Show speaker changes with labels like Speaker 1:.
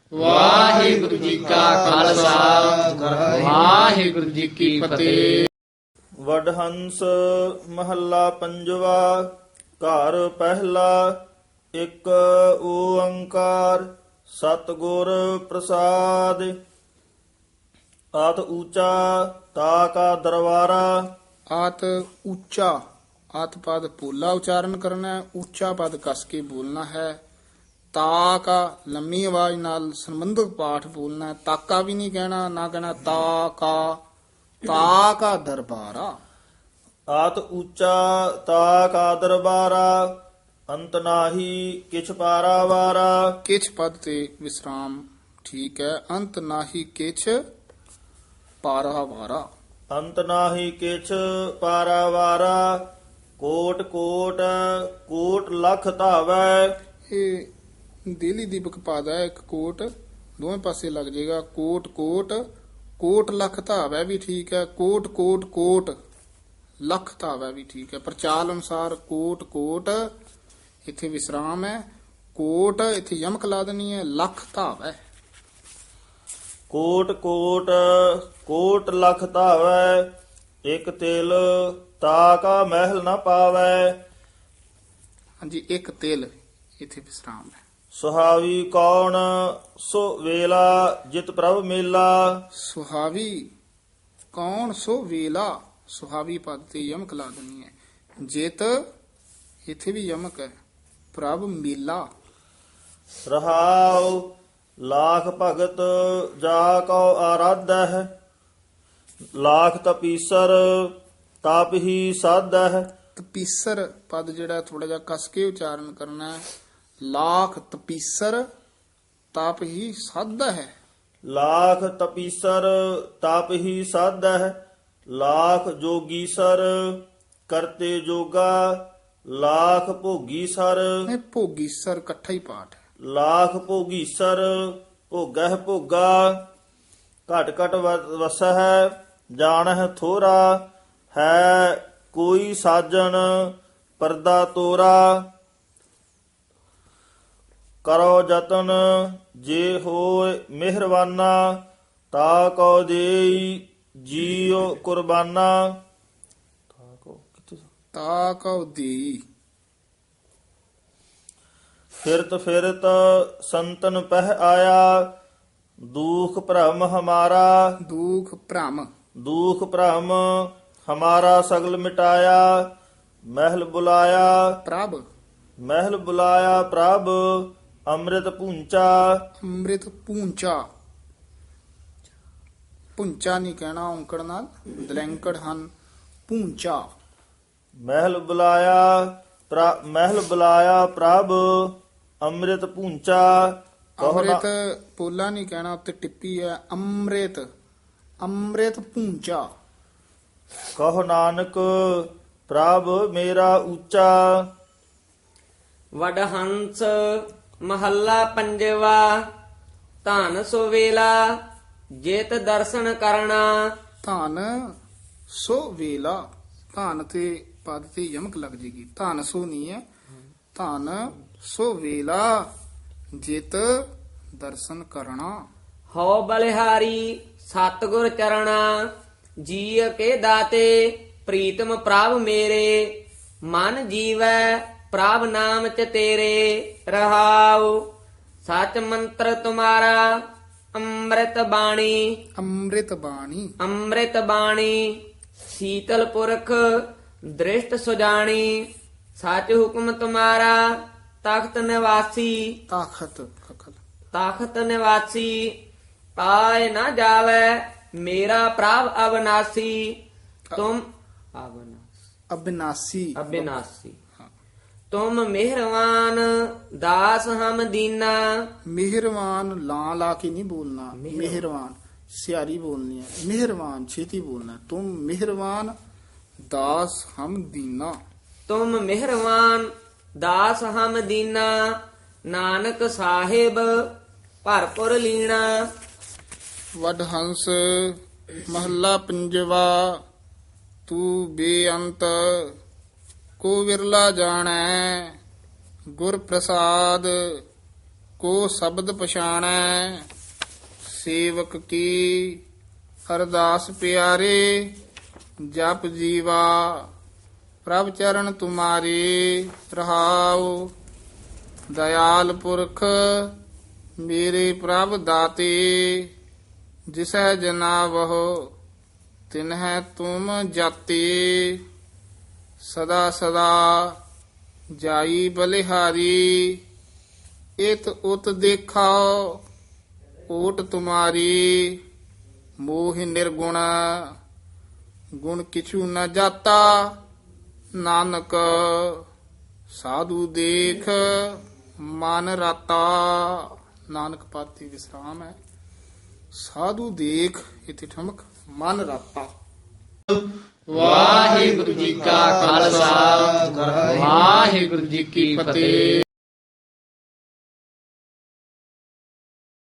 Speaker 1: ਵਾਹਿਗੁਰੂ ਜੀ ਕਾ ਖਾਲਸਾ ਵਾਹਿਗੁਰੂ ਜੀ ਕੀ ਫਤਿਹ।
Speaker 2: ਵਡਹੰਸ ਮਹੱਲਾ ਪੰਜਵਾ। ਘਰ ਪਹਿਲਾ ਇੱਕ ਓੰਕਾਰ ਸਤਿਗੁਰ ਪ੍ਰਸਾਦ। ਆਤ ਊਚਾ ਤਾ ਕਾ ਦਰਬਾਰਾ।
Speaker 3: ਆਤ ਉੱਚਾ, ਆਤ ਪਦ ਪੋਲਾ ਉਚਾਰਨ ਕਰਨਾ ਹੈ, ਉੱਚਾ ਪਦ ਕਸ ਕੇ ਬੋਲਣਾ ਹੈ। ਤਾ ਕਾ ਲੰਮੀ ਆਵਾਜ਼ ਨਾਲ ਸੰਬੰਧਕ ਪਾਠ ਬੋਲਣਾ ਹੈ। ਤਾਕਾ ਵੀ ਨਹੀਂ ਕਹਿਣਾ, ਨਾ ਕਹਿਣਾ ਤਾ ਕਾ ਦਰਬਾਰਾ।
Speaker 2: ਆਤ ਊਚਾ ਤਾ ਕਾ ਦਰਬਾਰਾ। ਅੰਤ ਨਾਹੀ ਕਿਛ ਪਾਰਾਵਾਰਾ।
Speaker 3: ਕਿਛ ਪਦ ਤੇ ਵਿਸਰਾਮ ਠੀਕ ਹੈ। ਅੰਤ ਨਾਹੀ ਕਿਛ ਪਾਰਾਵਾਰਾ।
Speaker 2: ਅੰਤ ਨਾਹੀ ਕਿਛ ਪਾਰਾਵਾਰਾ। ਕੋਟ ਕੋਟ ਕੋਟ ਲਖ ਧਾਵੈ।
Speaker 3: ਇਹ ਦਿੱਲੀ ਦੀਪਕ ਪਦ ਹੈ, ਇੱਕ ਕੋਟ ਦੋਵੇਂ ਪਾਸੇ ਲੱਗ ਜਾਏਗਾ। ਕੋਟ ਕੋਟ ਕੋਟ ਲਖ ਧਾਵੈ ਵੀ ਠੀਕ ਹੈ। ਕੋਟ ਕੋਟ ਕੋਟ ਲਖ ਧਾਵੈ ਵੀ ਠੀਕ ਹੈ। ਪ੍ਰਚਾਲ ਅਨੁਸਾਰ ਕੋਟ ਕੋਟ ਇੱਥੇ ਵਿਸਰਾਮ ਹੈ। ਕੋਟ ਇੱਥੇ ਯਮਕ ਲਾ ਦੇਣੀ ਹੈ। ਲਖ ਧਾਵੈ।
Speaker 2: ਕੋਟ ਕੋਟ ਕੋਟ ਲਖ ਧਾਵੈ। ਇਕ ਤਿਲ ਤਾ ਕਾ ਮਹਿਲ ਨ ਪਾਵੈ।
Speaker 3: ਹਾਂਜੀ, ਇੱਕ ਤਿਲ ਇੱਥੇ ਵਿਸਰਾਮ ਹੈ।
Speaker 2: ਸੁਹਾਵੀ ਕੌਣ ਸੋ ਵੇਲਾ ਜਿਤ ਪ੍ਰਭ ਮੇਲਾ।
Speaker 3: ਸੁਹਾਵੀ ਕੌਣ ਸੋ ਵੇਲਾ। ਸੁਹਾਵੀ ਪਦ ਤੇ ਯਮਕ ਲਾ ਦੇਣੀ ਹੈ। ਜਿਤ ਇੱਥੇ ਵੀ ਯਮਕ ਹੈ। ਪ੍ਰਭ ਮੇਲਾ।
Speaker 2: ਰਹਾਉ ਲਾਖ ਭਗਤ ਜਾ ਕੋ ਆਰਾਧੈ। ਲਾਖ ਤਪੀਸਰ ਤਪ ਹੀ ਸਾਧੈ।
Speaker 3: ਤਪੀਸਰ ਪਦ ਜਿਹੜਾ ਥੋੜਾ ਜਿਹਾ ਕਸ ਕੇ ਉਚਾਰਨ ਕਰਨਾ ਹੈ। ਲਾਖ ਤਪੀਸਰ ਤਪ ਹੀ ਸਾਧਾ ਹੈ।
Speaker 2: ਲਾਖ ਤਪੀਸਰ ਤਪ ਹੀ ਸਾਧੈ। ਲਾਖ ਜੋਗੀਸਰ ਕਰਤੇ ਜੋਗਾ। ਲਾਖ ਭੋਗੀਸਰ।
Speaker 3: ਇਹ ਭੋਗੀਸਰ ਇਕੱਠਾ ਹੀ ਪਾਠ ਹੈ।
Speaker 2: ਲਾਖ ਭੋਗੀਸਰ ਭੋਗਹਿ ਭੋਗਾ। ਘਟ ਘਟ ਵਸਹਿ ਜਾਣਹਿ ਥੋਰਾ। ਹੈ ਕੋਈ ਸਾਜਣ ਪਰਦਾ ਤੋਰਾ। ਕਰੋ ਜਤਨ ਜੇ ਹੋਏ ਮਿਹਰਬਾਨਾ। ਤਾ ਕੋ ਦੇਈ ਜੀਉ ਕੁਰਬਾਨਾ।
Speaker 3: ਤਾ ਕਉ ਦੀ।
Speaker 2: ਫਿਰਤ ਫਿਰਤ ਸੰਤਨ ਪਹਿ ਆਇਆ। ਦੁਖ ਭ੍ਰਮ ਹਮਾਰਾ।
Speaker 3: ਦੁਖ ਭ੍ਰਮ।
Speaker 2: ਦੁਖ ਭ੍ਰਮ ਹਮਾਰਾ ਸਗਲ ਮਿਟਾਇਆ। ਮਹਿਲ ਬੁਲਾਇਆ
Speaker 3: ਪ੍ਰਭ।
Speaker 2: ਮਹਿਲ ਬੁਲਾਇਆ ਪ੍ਰਭ। ਅੰਮ੍ਰਿਤ ਪੂੰਚਾ।
Speaker 3: ਅੰਮ੍ਰਿਤ ਪੂੰਚਾ। ਪੁੰਚਾ ਨਹੀਂ ਕਹਿਣਾ ਔਂਕੜ ਨਾਲ, ਦਲੈਂਕੜ ਹਨ। ਪੂੰਚਾ।
Speaker 2: ਮਹਿਲ ਬੁਲਾਇਆ ਮਹਿਲ ਬੁਲਾਇਆ ਪ੍ਰਭ। ਅੰਮ੍ਰਿਤ ਪੂੰਚਾ।
Speaker 3: ਅੰਮ੍ਰਿਤ ਪੋਲਾ ਨਹੀਂ ਕਹਿਣਾ, ਉੱਤੇ ਟਿੱਪੀ ਹੈ। ਅੰਮ੍ਰਿਤ ਅੰਮ੍ਰਿਤ ਪੂੰਚਾ।
Speaker 2: ਕਹੋ ਨਾਨਕ ਪ੍ਰਭ ਮੇਰਾ ਉੱਚਾ।
Speaker 1: ਵਡਹੰਸ ਮਹੱਲਾ ਪੰਜਵਾ। ਧਨ ਸੋ ਵੇਲਾ ਜਿਤ ਦਰਸ਼ਨ ਕਰਨਾ।
Speaker 3: ਧਨ ਸੋ ਵੇਲਾ। ਧਨ ਤੇ ਪਦ ਤੇ ਯਮਕ ਲੱਗ ਜੇਗੀ। ਧਨ ਸੋ ਨਹੀਂ ਹੈ। ਧਨ ਸੋ ਵੇਲਾ ਜਿਤ ਦਰਸ਼ਨ ਕਰਨਾ।
Speaker 1: ਹਉ ਬਲਿਹਾਰੀ ਸਤਿਗੁਰ ਚਰਣਾ। ਜੀਅ ਕੇ ਦਾਤੇ ਪ੍ਰੀਤਮ ਪ੍ਰਭ ਮੇਰੇ। ਮਨ ਜੀਵੈ ਪ੍ਰਭ ਨਾਮ ਚ ਤੇਰੇ। ਰਹਾਉ ਸਚ ਮੰਤਰ ਤੁਮਾਰਾ ਅੰਮ੍ਰਿਤ ਬਾਣੀ।
Speaker 3: ਅੰਮ੍ਰਿਤ ਬਾਣੀ।
Speaker 1: ਅੰਮ੍ਰਿਤ ਬਾਣੀ ਸੀਤਲ ਪੁਰਖ ਦ੍ਰਿਸ਼ਟ ਸੁਜਾਣੀ। ਸਚ ਹੁਕਮ ਤੁਮਾਰਾ ਤਖਤ ਨਿਵਾਸੀ।
Speaker 3: ਤਾਖਤ ਖਖਲ।
Speaker 1: ਤਖਤ ਨਿਵਾਸੀ ਪਾਏ ਨਾ ਜਾਵੇ ਮੇਰਾ ਪ੍ਰਭ ਅਬਨਾਸੀ। ਤੁਮ
Speaker 3: ਅਬਿਨਾਸੀ।
Speaker 1: ਅਬਿਨਾਸੀ ਤੁਮ ਮਿਹਰਵਾਨ ਦਾਸ ਹਮ ਦੀਨਾ।
Speaker 3: ਮਿਹਰਵਾਨ ਲਾਂ ਲਾ ਕੇ ਨਹੀਂ ਬੋਲਣਾ। ਮਿਹਰਵਾਨ ਸਿਆਰੀ ਬੋਲਣੀ ਹੈ। ਮਿਹਰਵਾਨ ਛੇਤੀ ਬੋਲਣਾ। ਤੁਮ ਮਿਹਰਵਾਨ ਦਾਸ ਹਮ ਦੀਨਾ।
Speaker 1: ਤੁਮ ਮਿਹਰਵਾਨ ਦਾਸ ਹਮ ਦੀਨਾ। ਨਾਨਕ ਸਾਹਿਬ ਭਰਪੁਰ ਲੀਣਾ।
Speaker 3: ਵਡਹੰਸ ਮਹੱਲਾ ਪੰਜਵਾ। ਤੂੰ ਬੇਅੰਤ ਕੋ ਵਿਰਲਾ ਜਾਣੈ। ਗੁਰ ਪ੍ਰਸਾਦ ਕੋ ਸ਼ਬਦ ਪਛਾਣੈ ਸੇਵਕ ਕੀ ਅਰਦਾਸ ਪਿਆਰੇ ਜਪ ਜੀਵਾ ਪ੍ਰਭ ਚਰਨ ਤੁਮਾਰੇ ਰਹਾਉ ਦਇਆਲ ਪੁਰਖ ਮੇਰੇ ਪ੍ਰਭ ਦਾਤੇ ਜਿਸੈ ਜਨਾਵਹੁ ਤਿਨਹਿ ਤੁਮ ਜਾਤੇ ਸਦਾ ਸਦਾ ਜਾਈ ਬਲਿਹਾਰੀ ਇਤ ਉਤ ਦੇਖਾਓ ਓਟ ਤੁਮਾਰੀ ਮੋਹ ਨਿਰਗੁਣ ਗੁਣ ਕਿਛੂ ਨ ਜਾਤਾ ਨਾਨਕ ਸਾਧੂ ਦੇਖ ਮਨ ਰਾਤਾ। ਨਾਨਕ ਪਾਤੀ ਵਿਸਰਾਮ ਹੈ। ਸਾਧੂ ਦੇਖ ਇਥੇ ਠਮਕ ਮਨ ਰਾਤਾ।
Speaker 1: ਵਾਹਿਗੁਰੂ ਜੀ ਕਾ ਖਾਲਸਾ ਵਾਹਿਗੁਰੂ ਜੀ ਕੀ ਫਤਿਹ।